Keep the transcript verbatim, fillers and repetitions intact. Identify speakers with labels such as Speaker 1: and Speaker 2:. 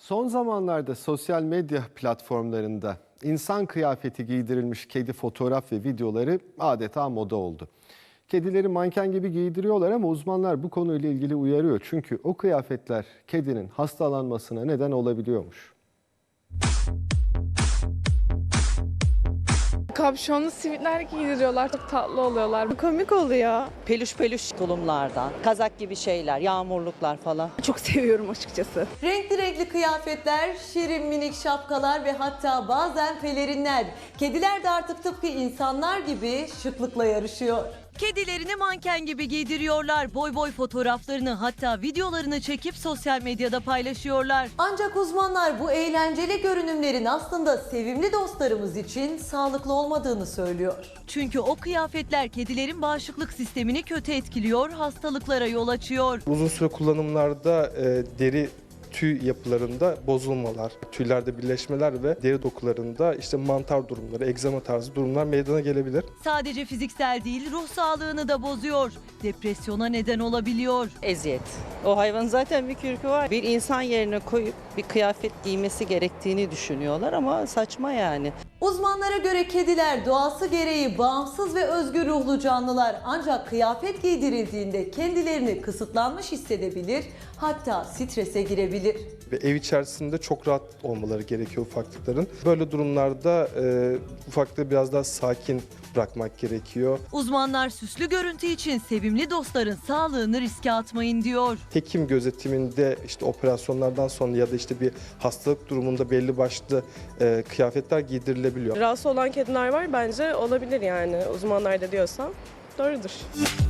Speaker 1: Son zamanlarda sosyal medya platformlarında insan kıyafeti giydirilmiş kedi fotoğraf ve videoları adeta moda oldu. Kedileri manken gibi giydiriyorlar ama uzmanlar bu konuyla ilgili uyarıyor. Çünkü o kıyafetler kedinin hastalanmasına neden olabiliyormuş.
Speaker 2: Kapşonlu sivitler giydiriyorlar. Çok tatlı oluyorlar. Komik oluyor.
Speaker 3: Peluş peluş tulumlardan, kazak gibi şeyler, yağmurluklar falan.
Speaker 2: Çok seviyorum açıkçası.
Speaker 4: Renkli renkli kıyafetler, şirin minik şapkalar ve hatta bazen pelerinler. Kediler de artık tıpkı insanlar gibi şıklıkla yarışıyor.
Speaker 5: Kedilerini manken gibi giydiriyorlar. Boy boy fotoğraflarını hatta videolarını çekip sosyal medyada paylaşıyorlar.
Speaker 4: Ancak uzmanlar bu eğlenceli görünümlerin aslında sevimli dostlarımız için sağlıklı olmadığını söylüyor.
Speaker 5: Çünkü o kıyafetler kedilerin bağışıklık sistemini kötü etkiliyor, hastalıklara yol açıyor.
Speaker 6: Uzun süre kullanımlarda e, deri tüy yapılarında bozulmalar, tüylerde birleşmeler ve deri dokularında işte mantar durumları, egzama tarzı durumlar meydana gelebilir.
Speaker 5: Sadece fiziksel değil, ruh sağlığını da bozuyor. Depresyona neden olabiliyor.
Speaker 3: Eziyet. O hayvanın zaten bir kürkü var. Bir insan yerine koyup bir kıyafet giymesi gerektiğini düşünüyorlar ama saçma yani.
Speaker 4: Uzmanlara göre kediler doğası gereği bağımsız ve özgür ruhlu canlılar, ancak kıyafet giydirildiğinde kendilerini kısıtlanmış hissedebilir, hatta strese girebilir.
Speaker 6: Ve ev içerisinde çok rahat olmaları gerekiyor ufaklıkların. Böyle durumlarda e, ufaklığı biraz daha sakin bırakmak gerekiyor.
Speaker 5: Uzmanlar süslü görüntü için sevimli dostların sağlığını riske atmayın diyor.
Speaker 6: Hekim gözetiminde işte operasyonlardan sonra ya da işte bir hastalık durumunda belli başlı e, kıyafetler giydirilebiliyor.
Speaker 2: Rahatsız olan kediler var, bence olabilir yani. Uzmanlar da diyorsa doğrudur.